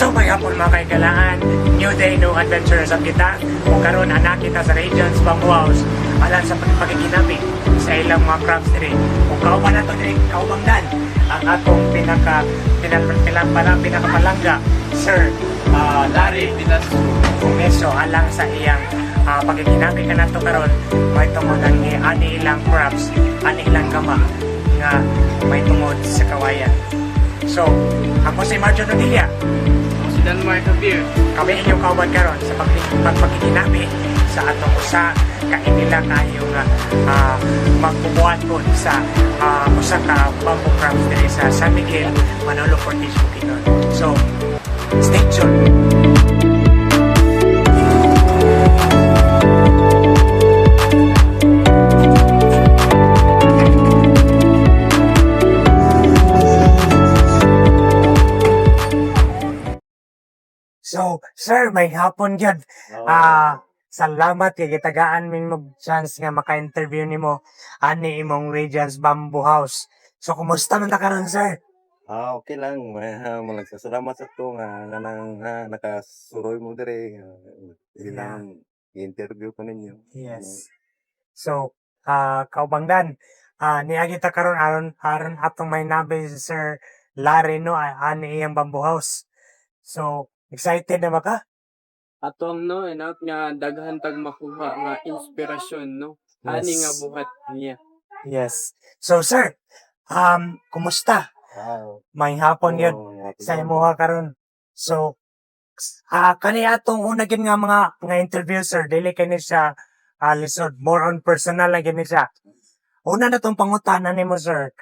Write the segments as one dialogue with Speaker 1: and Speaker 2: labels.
Speaker 1: Hello mga hapon mga kaigalaan. New day, new adventures ang kita. Kung karon anak kita sa regions Bamboo House alang sa pagkikinabi sa ilang mga crafts diri. Kung kauban na to diri, kaubang dan ang atong pinakapalangga Sir Larry Pilas Pumeso alang sa iyang pagkikinabi ka nato karon may tungod ang ani ilang crafts, ani ilang kama nga may tungod sa kawayan. So, ako si Marjo Nodilla.
Speaker 2: Si Danmar Javier.
Speaker 1: Kami inyong kauban karon sa pagpagkikinabi sa atong usa ka inila kayo nga magbubuhat po sa usa ka bamboo crafts diri sa San Miguel, Manolo Cortez, Bukidnon. So, stay tuned. So, sir, may hapon yun. Salamat kay gitagaan min mo chance nga maka-interview nimo ani imong Regions Bamboo House. So, kumusta man ta karon, sir?
Speaker 3: Okay lang. Salamat sa ito nga nang nakasuroy mo dire. Ilang interview ko ninyo.
Speaker 1: Yes. So, kaubangdan, niagi ta karon aron atong may nabi si Sir Larry no ani iyang Bamboo House. So, excited na ba ka?
Speaker 2: Atong no, enak nga daghan tag makuha nga inspirasyon no. Ani nga buhat niya.
Speaker 1: Yes. So, sir, kumusta? May hapon yun sa imuha karon. So, kani atong una gid nga mga interview, sir, dili kani siya lisod, more on personal lang gini siya. Una na tong pangutanan nimo, sir.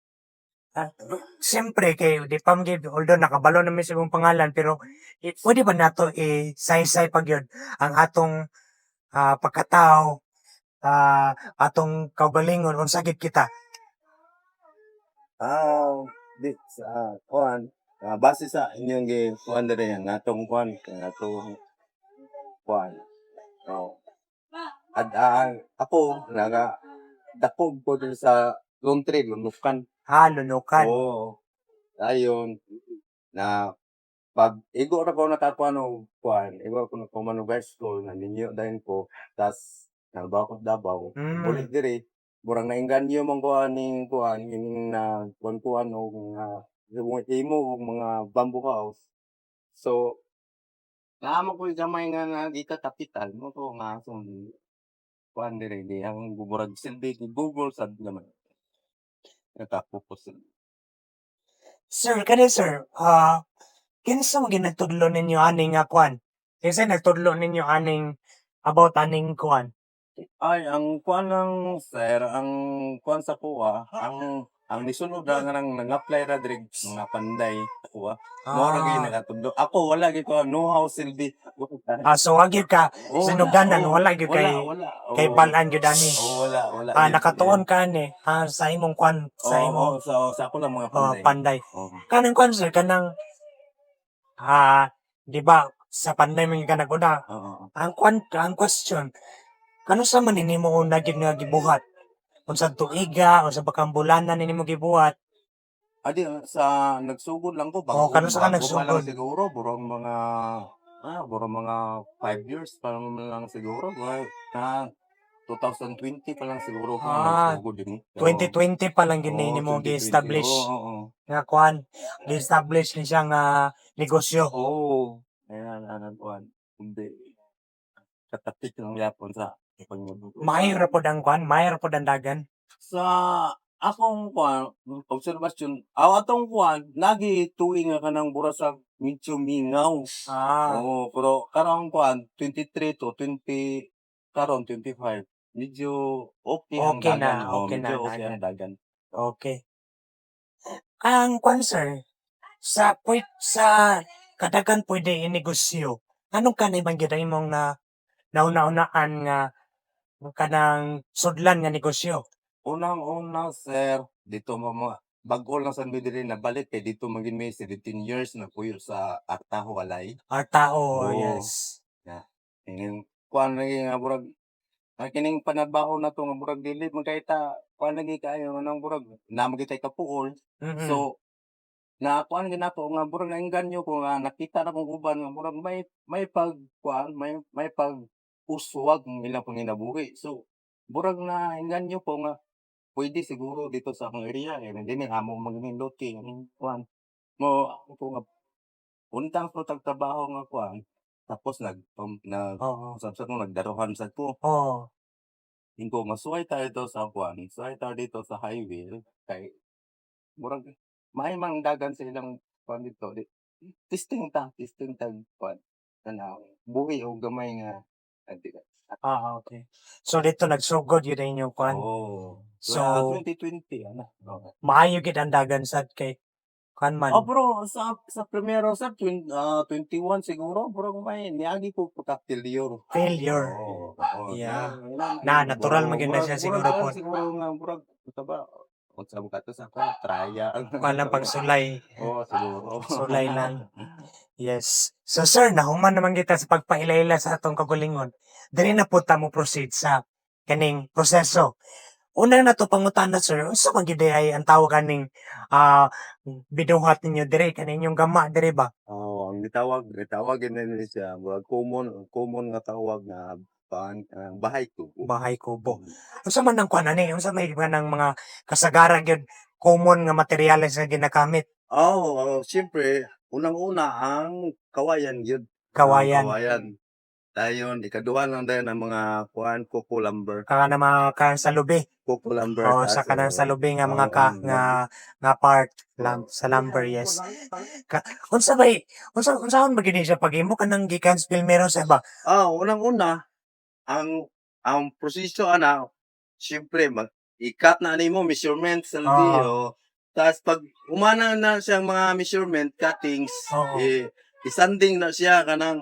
Speaker 1: Siyempre kay di pa gid, although nakabalo na mi sa imong pangalan, pero pwede ba nato i-say-say pag yun ang atong pagkatao, atong kaugalingon unsa gid kita.
Speaker 3: Kuan. Base sa inyong kuan dire nga atong kuan, kuan. Oh. Ako naga dakog ko dun sa country lunukan.
Speaker 1: Lunukan.
Speaker 3: Oo. Ayon na pag igo ra ko nakakuan og kuan, igo ko na common high school na ninyo dayon ko tas nagbawa ko sa Davao. Uli diri murang nainganyo man ko aning kuan ining na kuan og mga imo og mga bamboo house. So naamo ko gamay nga nagita kapital mo ko nga kuan diri di ang murag silbi ni Google sad naman. Nakapupos.
Speaker 1: Sir, sir, kinsa mo ginagtudlo ninyo aning kwan? Kinsa nagtudlo ninyo aning about aning kwan?
Speaker 3: Ay, ang kuan lang sir, ang kuan sa kuha, ang nisunod ra nga nang nang-apply ra diri mga panday kuha. Mo ra gyud nakatudlo. Ako wala gyud ko know-how silbi.
Speaker 1: So wag gyud ka sinuganan, wala gyud kay balan gyud ani.
Speaker 3: Wala.
Speaker 1: Nakatuon ka ni sa imong kwan, sa imong
Speaker 3: sa ako lang mga panday.
Speaker 1: panday.
Speaker 3: Oo.
Speaker 1: Kanang kwan, sir, kanang di ba sa panday man ka naguna.
Speaker 3: Oo.
Speaker 1: Ang question, kano sa man nimo una gyud nga gibuhat? Unsa tuiga, unsa ba kang bulanan nimo gibuhat?
Speaker 3: Adi sa nagsugod lang ko bago
Speaker 1: Kano sa ka
Speaker 3: bago pa lang
Speaker 1: nagsugod?
Speaker 3: siguro burong mga 5 years pa lang siguro. Na 2020 pa lang siguro ko nagsugod din.
Speaker 1: 2020 pa lang gini
Speaker 3: Oo,
Speaker 1: nimo
Speaker 3: 2020.
Speaker 1: gi-establish
Speaker 3: Oo.
Speaker 1: nga kwan, gi-establish ni siyang negosyo.
Speaker 3: Oo. Ayan, kuan. Hindi. Katapik lang yapon sa pagmundo.
Speaker 1: Mahir po ang kwan, mahir po ang dagan.
Speaker 3: Sa akong kuan, obserbasyon, atong kuan, lagi tuwing nga kanang burasag medyo mingaw. Oo, pero karong kuan, 23 to 20, karon 25, medyo okay ang
Speaker 1: Okay
Speaker 3: dagan.
Speaker 1: na,
Speaker 3: Oo,
Speaker 1: okay na,
Speaker 3: medyo okay
Speaker 1: dagan.
Speaker 3: ang dagan.
Speaker 1: Okay. Ang kwan, sir, sa kadagan pwede inegosyo. Anong kanay man gyud ang imong nauna-unaan nga kanang sudlan nga negosyo?
Speaker 3: Unang-una, sir, dito mga bago lang sa diri nabalik kay dito maging may 17 years na puyo sa Artaho Walay.
Speaker 1: Tao,
Speaker 3: Oo.
Speaker 1: yes.
Speaker 3: Yeah. Ingin kuan lagi nga burag kining panabaho na to nga burag dili magkahita kuan lagi kayo nang burag na magitay kapuol.
Speaker 1: Mm-mm.
Speaker 3: So na kuan gina po nga murag nainganyo ko nga nakita na kong uban nga murag may pag kuan may pag uswag ng ilang panginabuhi. So murag na inganyo po nga pwede siguro dito sa akong area eh hindi ni amo magnindot kay kuan mo ako po nga untang ko tagtrabaho nga kuan tapos nag
Speaker 1: Oo.
Speaker 3: sa ko nagdaruhan sa ko
Speaker 1: Oo.
Speaker 3: Ingko masuway tayo dito sa kuan suway tayo dito sa highway kay murag mahimong dagan sa ilang kuan dito testing tag kuan tanaw buhi o gamay nga adi
Speaker 1: Okay. So dito nagsugod yun ang inyong kwan.
Speaker 3: Oo.
Speaker 1: So,
Speaker 3: 2020 ano. Oo.
Speaker 1: maayo gid ang dagan sad kay kwan man.
Speaker 3: Oh, bro, sa primero sa 21 siguro, bro, may niagi ko pagka-failure.
Speaker 1: Failure.
Speaker 3: Oo. Oo.
Speaker 1: Yeah. Natural man gyud na siya siguro po.
Speaker 3: Siguro nga, bro, ito ba? Unsa mo kato sa kwan, traya.
Speaker 1: Kwan lang pagsulay.
Speaker 3: Oo, siguro.
Speaker 1: Sulay lang. Yes. So sir, nahuman naman kita sa pagpahilala sa atong kagulingon. Diri na po ta mo proceed sa kaning proseso. Una na to pangutana sir, unsa man gyud ay ang tawag kaning binuhat ninyo diri kaning inyong gama diri ba?
Speaker 3: Oo, ang gitawag nila siya, common nga tawag na bahay tubo.
Speaker 1: Bahay kubo. Unsa man ang kwan ani? Unsa may ng mga kasagaran gyud common nga materyales nga ginagamit?
Speaker 3: Siyempre, unang-una ang kawayan yun.
Speaker 1: Kawayan.
Speaker 3: Kawayan. Dayon, ikaduha lang dahil ng mga coco lumber.
Speaker 1: Kaya na mga sa lubi.
Speaker 3: Coco lumber.
Speaker 1: O sa kanang sa lubi nga mga nga part sa lumber, yes. Unsa unsaon ba gini siya pag-imo ka nang gikan filmero sa ba?
Speaker 3: Unang-una, ang proseso siyempre, ikat na nimo measurement sa video. Tapos pag umana na siyang mga measurement, cuttings,
Speaker 1: Oo.
Speaker 3: isanding na siya kanang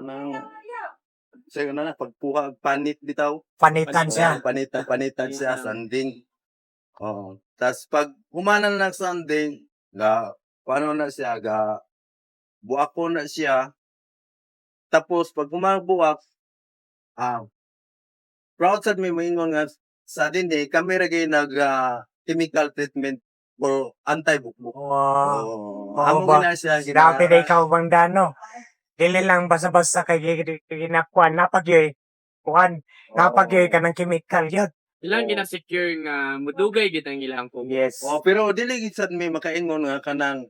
Speaker 3: pagpuha panit bitaw.
Speaker 1: Panitan siya.
Speaker 3: Panitan siya sanding. Oo. Tas pag humana na ng sanding, paano na siya buako na siya. Tapos pag buwak, proud sad may moingon nga sa dinhi kami ra gyud nag chemical treatment for anti-bukbuk.
Speaker 1: Wow.
Speaker 3: Amo
Speaker 1: ba?
Speaker 3: gina siya
Speaker 1: Grabe na ikaw bang dano. Dili lang basta-basta kay ginakwan napagyoy. Kuan, napagyoy ka ng chemical yun.
Speaker 2: Ilang gina-secure nga mudugay gid ang ilang kubo.
Speaker 1: Yes.
Speaker 3: pero dili gid sad may makaingon nga kanang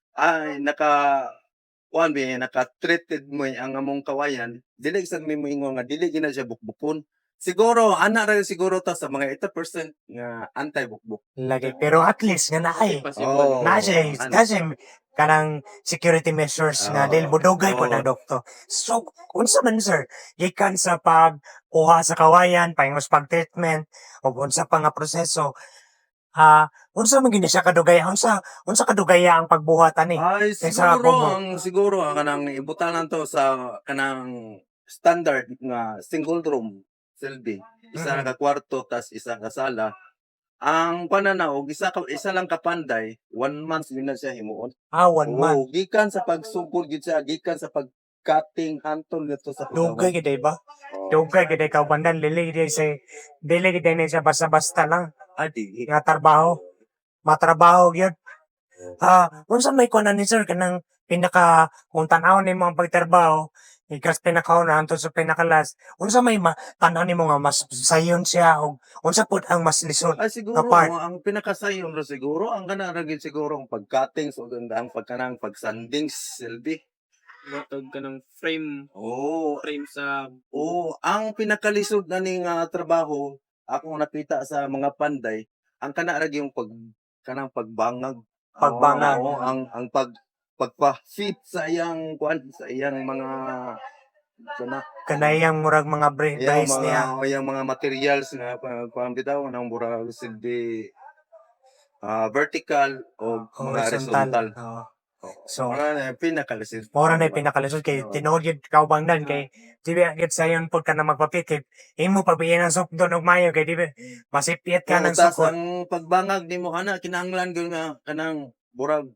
Speaker 3: naka-treated mo ang among kawayan, dili sad may moingon nga dili gina siya bukbukon. Siguro ana ra siguro ta sa mga 80% nga anti-bukbuk.
Speaker 1: Lagi. Pero at least nga naay.
Speaker 2: Possible.
Speaker 1: Kasi kanang security measures nga dahil budugay po na doktor. So, unsa man sir, gikan sa pagkuha sa kawayan, pangos pag-treatment, o unsa pa nga proseso, unsa man gini siya kadugaya? Unsa kadugaya ang pagbuhat ani?
Speaker 3: Ay,
Speaker 1: Sa kubo.
Speaker 3: siguro ang kanang ibutanan to sa kanang standard nga single room silbi. Isa ka kwarto tas isa ka sala. Ang pananaog isa lang ka panday, 1 month din na siya himuon.
Speaker 1: 1 month.
Speaker 3: Gikan sa pagsugod gid siya, gikan sa pag-cutting hantol dito sa
Speaker 1: Dugay gid ba? Dugay gid ka bandan dili gid na siya basta-basta lang
Speaker 3: Adi.
Speaker 1: nga trabaho. Matrabaho gyud. Unsa may kuan ni sir kanang pinaka kung tan-aw nimo ang pagtrabaho, ikas pinakauna hangtod sa pinakalas. Unsa may tan-aw nimo nga mas sayon siya o unsa pud ang mas lisod?
Speaker 3: Ay siguro
Speaker 1: Apart.
Speaker 3: ang pinakasayon ra siguro ang kana ra gid siguro ang pag-cutting so ang pagkanang pag-sanding silbi.
Speaker 2: Matog ka ng frame
Speaker 3: Oo.
Speaker 2: sa
Speaker 3: Ang pinakalisod na ning trabaho ako nakita sa mga panday, ang kana ra yung kanang pagbangag.
Speaker 1: Pagbangag.
Speaker 3: Oo, ang pagpa-fit sa iyang mga
Speaker 1: Kanayang murag mga brace niya.
Speaker 3: yung mga materials nga kuan bitaw nang murag silbi vertical o mga horizontal.
Speaker 1: Oo.
Speaker 3: So, na pinakalisod.
Speaker 1: Mora na pinakalisod kay tinuod gyud ka bangdan kay dibi gid sayon pud ka na magpapit kay imo pabiyan ang sukdo og mayo kay dibi masipit ka ng
Speaker 3: Tas
Speaker 1: sukod.
Speaker 3: ang pagbangag nimo kinahanglan gyud nga kanang murag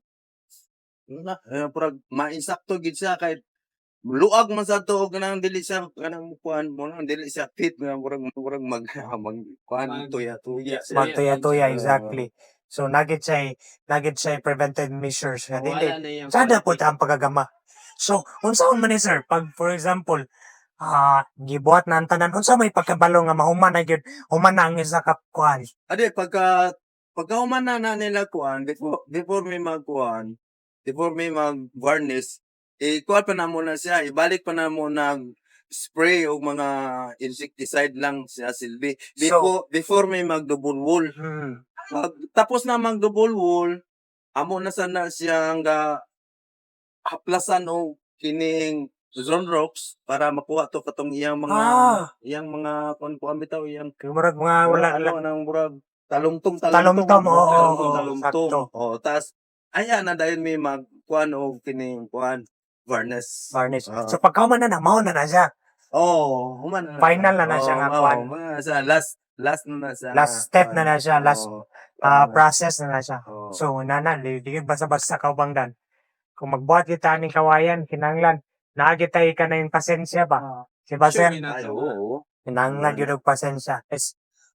Speaker 3: mainsakto gid siya kay luag man sa to kanang dili siya kanang kuan mo nang dili siya fit nga murag mag kuan tuya-tuya siya.
Speaker 1: Magtuya-tuya exactly. So nagit say preventive measures nga dili.
Speaker 2: Wala na yung
Speaker 1: Sada po ang pagagama. So unsaon man ni sir pag for example gibuhat na ang tanan unsa may pagkabalo nga mahuman na gyud human na ang isa ka kuan.
Speaker 3: Ade, pagka umana na nila kuan, before may magkuan, before may mag-varnish, kuan pa na muna siya, ibalik pa na muna spray o mga insecticide lang siya silbi. Before may mag-double wool. Pag tapos na mag-double wool, amo na sana siya nga haplasan o kining zone ropes para makuha to katong iyang mga kuan bitaw iyang
Speaker 1: Murag mga wala
Speaker 3: ano nang murag talumtong
Speaker 1: Talumtom, oo,
Speaker 3: talumtong.
Speaker 1: sakto.
Speaker 3: Tas ayan na dahil may magkuan o kining kuan varnish.
Speaker 1: varnish.
Speaker 3: Oo.
Speaker 1: So pagkahuman na mao na siya.
Speaker 3: Human na.
Speaker 1: Final na siya nga kuan.
Speaker 3: Sa last na siya.
Speaker 1: Last step na siya, last process na siya.
Speaker 3: Oo.
Speaker 1: So nana di basta-basta kaubangdan. Kung magbuhat kita ning kawayan kinahanglan naagitay ka na yung pasensya ba? Si
Speaker 2: Sure,
Speaker 1: Basen,
Speaker 3: Ay, oo.
Speaker 1: kinahanglan gyud og pasensya. Is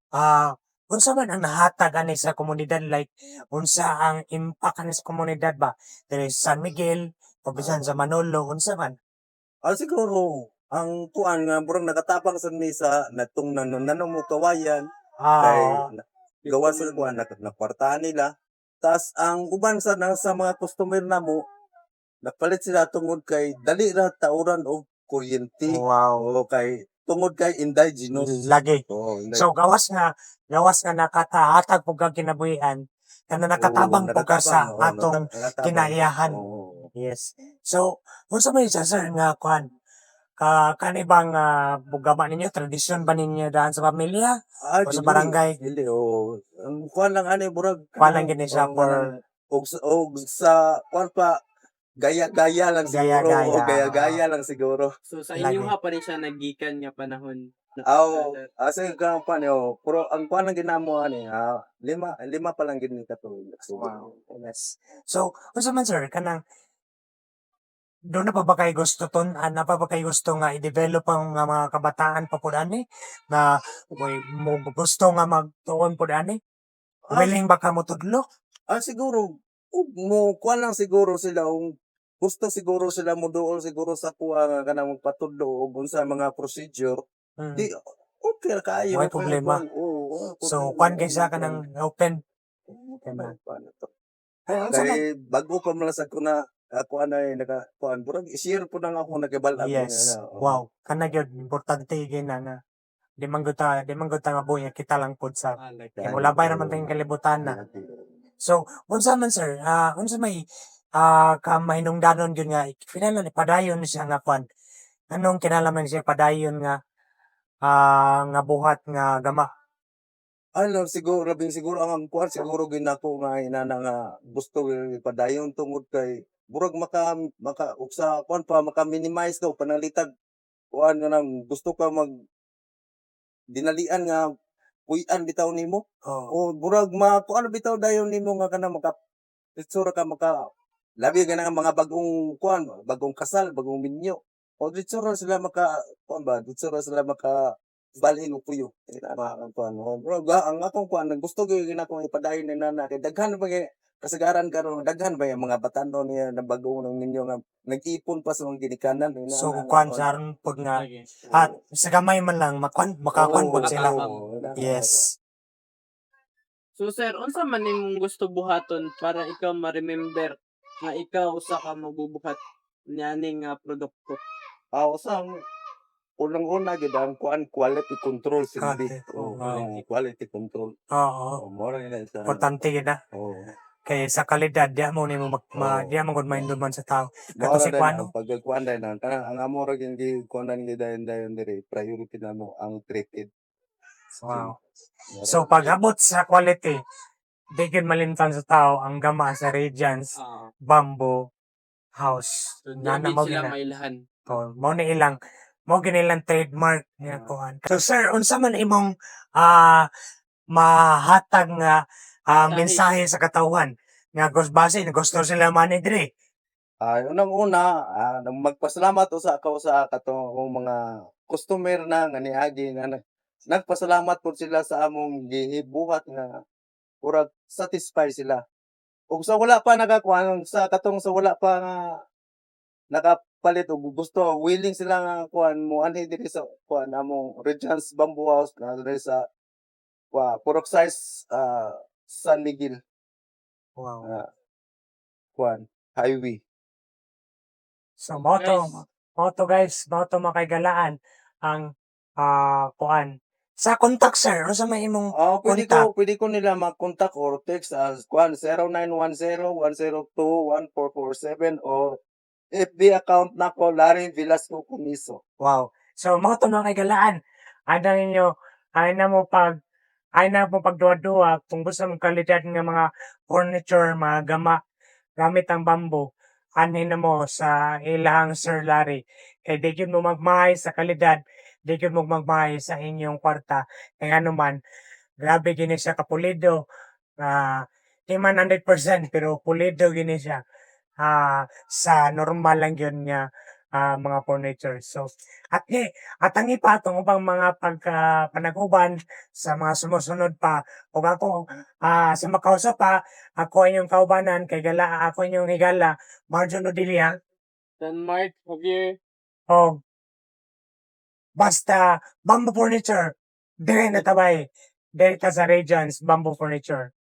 Speaker 1: unsa man ang nahatag ani sa komunidad like unsa ang impact ani sa komunidad ba? Diri sa San Miguel, pabisan sa Manolo, unsa man?
Speaker 3: Siguro ang kuan nga murag nakatapang sa misa natong nanong mo kawayan kay gawa sa kuan nakwartahan nila. Tas ang uban sa mga customer namo napalit sila tungod kay dali ra tauran og kuryente
Speaker 1: Wow.
Speaker 3: o kay tungod kay indigenous.
Speaker 1: Lagi.
Speaker 3: Oo,
Speaker 1: So gawas nga nakatahatag pug kang kinabuhian kana nakatabang pug ka sa atong kinaiyahan. Yes. So unsa man siya sir nga kuan kanibang bugama ninyo tradisyon ba ninyo daan sa pamilya o sa barangay?
Speaker 3: Dili o. Ang kuan lang ani murag
Speaker 1: Kuan lang gini siya for
Speaker 3: og sa kuan pa gaya-gaya lang siguro.
Speaker 1: Gaya-gaya.
Speaker 3: Gaya-gaya lang siguro.
Speaker 2: So sa
Speaker 1: Lagi.
Speaker 2: inyo ha pa rin siya nagikan nga panahon.
Speaker 3: Asa ka pa niyo, pero ang kuan lang ginamo ani, lima pa lang gid ni katulog.
Speaker 1: wow. Yes. So unsa man sir kanang doon na pa ba kayo gusto na pa ba kayo gusto nga i-develop ang mga kabataan pa po ani na mo gusto nga magtuon po ani? Willing ba ka mo tudlo?
Speaker 3: Siguro mo kuan lang siguro sila gusto siguro sila mo doon siguro sa kuha nga kanang magpatudlo og unsa mga procedure. Di okay ra kayo.
Speaker 1: May problema. So kuan kay sa kanang open.
Speaker 3: Kay bago pa man sa kuna ako anay naka-kuan burag i-share po nang ako nagibal-ab.
Speaker 1: Yes. Wow. Kana gyud importante gina nga di man gud ta mabuya kita lang pud sa kay wala pa naman tayong kalibutan na. So unsa man sir, unsa may ka mahinungdanon gyud nga kinahanglan padayon siya nga kuan. Anong kinahanglan siya padayon nga nga buhat nga gama?
Speaker 3: Ano siguro labing siguro ang kuan siguro ginako nga inana nga gusto padayon tungod kay burag maka sa kuan pa maka-minimize daw panalitag kuan nga nang gusto ka dinalian nga puy-an bitaw nimo o burag kuan bitaw dayon nimo nga kana ditsura ka labi nga mga bagong kuan bagong kasal bagong minyo o ditsura sila kuan ba ditsura sila balhin og puyo ang kuan burag ang akong kuan gusto gyud ginako ipadayon ni nana kay daghan ba kasagaran karon daghan ba yung mga batanon niya na bagong nang ninyo nga nag-ipon pa sa mga ginikanan.
Speaker 1: So kuan saron pud nga sa gamay man lang makakuan pud sila. Yes.
Speaker 2: So sir, unsa man nimong gusto buhaton para ikaw ma-remember nga ikaw usa ka magbubuhat nianing produkto?
Speaker 3: Usang unang-una gid ang kuan quality control silbi. Quality control.
Speaker 1: Oo.
Speaker 3: Mora nila sa
Speaker 1: Importante gid na. Kay sa kalidad di mo nimo di mo gud mainduman sa tao. Kato si kuan
Speaker 3: pag kuan dai na ang amora gid kuan ni dayon diri priority na mo ang treated.
Speaker 1: Wow. So pag-abot sa quality, di gid malimtan sa tao ang gama sa Radiance Bamboo House.
Speaker 2: So
Speaker 1: Nana mo
Speaker 2: sila
Speaker 1: gina.
Speaker 2: mailahan.
Speaker 1: Mo na ilang ginilang trademark niya kuan. So sir, unsa man imong mahatag nga mensahe sa katawhan nga gusto sila man dire.
Speaker 3: Unang-una, magpasalamat sa ako sa katong mga customer na nga niagi nga nagpasalamat po sila sa among gihibuhat nga
Speaker 4: Murag satisfy sila. Ug sa wala pa nakakuha, sa katong sa wala pa nga nakapalit o gusto, willing sila nga kuan mo anhi diri sa kuan among Regents Bamboo House na diri sa Purok Size San Miguel
Speaker 1: Wow.
Speaker 4: kuan highway.
Speaker 1: So,
Speaker 2: Guys.
Speaker 1: moto guys, moto makaigalaan ang kuan. Sa contact sir, ano sa may imong
Speaker 4: Pwede ko nila mag-contact or text as kuan 0910-102-1447 o FB account nako Larry Velasco Comiso.
Speaker 1: wow. So, moto makaigalaan. Ay na mo pagduwa-duwa kung gusto mong kalidad nga mga furniture, mga gamit ang bamboo. Anin na mo sa ilang Sir Larry. Kay di yun mo magmahay sa kalidad, di yun mo magmahay sa inyong kwarta. Kaya ano man, grabe gini siya kapulido. Di man 100% pero pulido gini siya. Sa normal lang yun nga mga furniture. So, at ang ipa itong upang mga panaguban sa mga sumusunod pa. Kung ako sa makausap pa, ako inyong kaubanan, ako inyong higala, Marjon Odilia,
Speaker 2: Denmark, Javier.
Speaker 1: o basta bamboo furniture, dire na tabay, dire ka sa Regions Bamboo Furniture.